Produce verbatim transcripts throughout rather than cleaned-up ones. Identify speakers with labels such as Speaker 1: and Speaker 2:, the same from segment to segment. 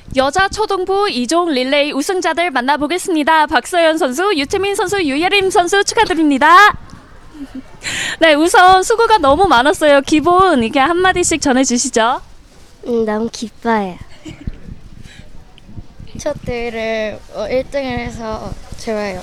Speaker 1: 여자 초등부 이 종 릴레이 우승자들 만나보겠습니다. 박서연 선수, 유채민 선수, 유예림 선수 축하드립니다. 네, 우선 수고가 너무 많았어요. 기본 이렇게 한마디씩 전해주시죠.
Speaker 2: 음, 너무 기뻐요.
Speaker 3: 첫 대회를 어, 일 등을 해서 좋아요.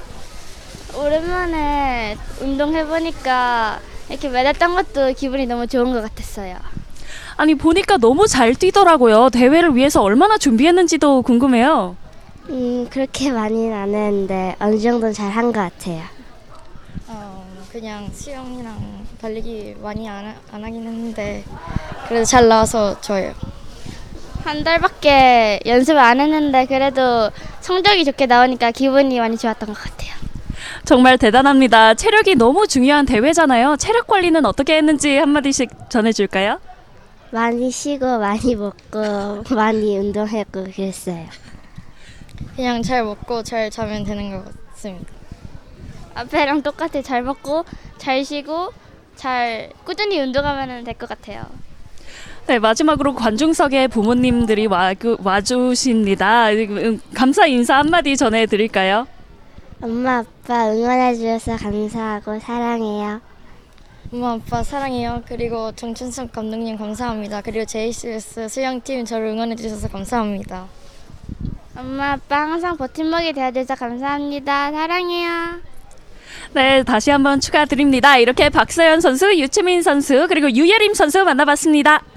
Speaker 2: 오랜만에 운동해보니까 이렇게 medal했던 것도 기분이 너무 좋은 것 같았어요.
Speaker 1: 아니 보니까 너무 잘 뛰더라고요. 대회를 위해서 얼마나 준비했는지도 궁금해요.
Speaker 2: 음, 그렇게 많이는 안 했는데 어느 정도는 잘 한 것 같아요.
Speaker 3: 어, 그냥 수영이랑 달리기 많이 안, 하- 안 하긴 했는데 그래도 잘 나와서 좋아요.
Speaker 2: 한 달밖에 연습을 안 했는데 그래도 성적이 좋게 나오니까 기분이 많이 좋았던 것 같아요.
Speaker 1: 정말 대단합니다. 체력이 너무 중요한 대회잖아요. 체력 관리는 어떻게 했는지 한마디씩 전해줄까요?
Speaker 2: 많이 쉬고 많이 먹고 많이 운동했고 그랬어요.
Speaker 3: 그냥 잘 먹고 잘 자면 되는 것 같습니다.
Speaker 2: 앞에랑 똑같이 잘 먹고 잘 쉬고 잘 꾸준히 운동하면 될 것 같아요.
Speaker 1: 네, 마지막으로 관중석에 부모님들이 와, 그, 와주십니다. 음, 감사 인사 한마디 전해드릴까요?
Speaker 2: 엄마 아빠 응원해 주셔서 감사하고 사랑해요.
Speaker 3: 엄마 아빠 사랑해요. 그리고 정춘석 감독님 감사합니다. 그리고 제이씨에스 수영팀 저를 응원해 주셔서 감사합니다.
Speaker 2: 엄마 아빠 항상 버팀목이 되어줘서 감사합니다. 사랑해요.
Speaker 1: 네, 다시 한번 축하드립니다. 이렇게 박서연 선수, 유채민 선수, 그리고 유예림 선수 만나봤습니다.